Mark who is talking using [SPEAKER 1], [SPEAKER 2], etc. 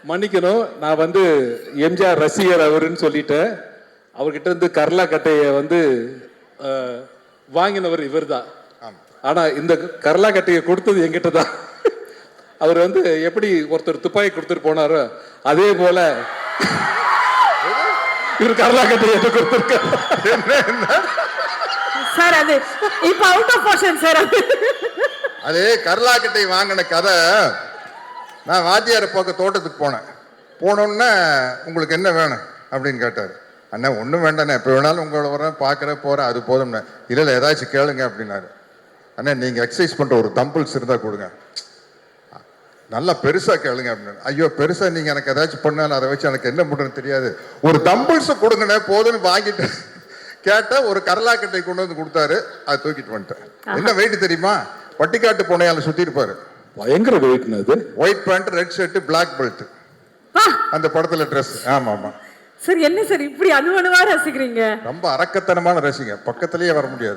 [SPEAKER 1] மன்னிக்கணும், நான் வந்து எம்ஜிஆர் ரசிகர் அவருன்னு சொல்லிட்டேன். அவர்கிட்ட இருந்து கர்லா கட்டையை வந்து வாங்கினவர் இவர் தான். ஆனா இந்த கர்லா கட்டையை கொடுத்தது என்கிட்ட தான். அவர் வந்து எப்படி ஒருத்தர் துப்பாக்கி கொடுத்துட்டு போனாரோ அதே போல இவர் கர்லா கட்டையை கொடுத்துருக்காரு.
[SPEAKER 2] சார் அது இப்ப அவுட் ஆஃப் போர்ஷன் சார்.
[SPEAKER 3] அது கர்லா கட்டை வாங்கின கதை. நான் வாத்தியாரை பார்க்க தோட்டத்துக்கு போனேன். போனோன்னே உங்களுக்கு என்ன வேணும் அப்படின்னு கேட்டார். அண்ணா ஒன்றும் வேண்டாண்ணே, எப்போ வேணாலும் உங்களை வரேன், பார்க்குறேன், போகிறேன், அது போதும்ண்ணே. இல்லை ஏதாச்சும் கேளுங்க அப்படின்னாரு. அண்ணா நீங்கள் எக்ஸசைஸ் பண்ணுற ஒரு தம்பிள்ஸ் இருந்தால் கொடுங்க, நல்லா பெருசாக கேளுங்க அப்படின்னு. ஐயோ பெருசாக நீங்கள் எனக்கு ஏதாச்சும் பண்ணாலும் அதை வச்சு எனக்கு என்ன பண்ணுறதுன்னு தெரியாது, ஒரு தம்பிள்ஸை கொடுங்கண்ணே போதுன்னு வாங்கிட்டு கேட்டால் ஒரு கரலாக்கட்டை கொண்டு வந்து கொடுத்தாரு. அதை தூக்கிட்டு வந்துட்டேன். என்ன வெயிட் தெரியுமா? பட்டிக்காட்டு பூனையால சுற்றி இருப்பாரு.
[SPEAKER 1] பயங்கர வெயிட்னு அது.
[SPEAKER 3] White pant, red shirt, black belt, அந்த படத்துல ட்ரெஸ். ஆமா ஆமா
[SPEAKER 2] சார். என்ன சார் இப்படி அணுவணுவா ரசிக்கிறீங்க?
[SPEAKER 3] ரொம்ப அரக்கத்தனமான ரசிங்க, பக்கத்திலேயே வர முடியாது.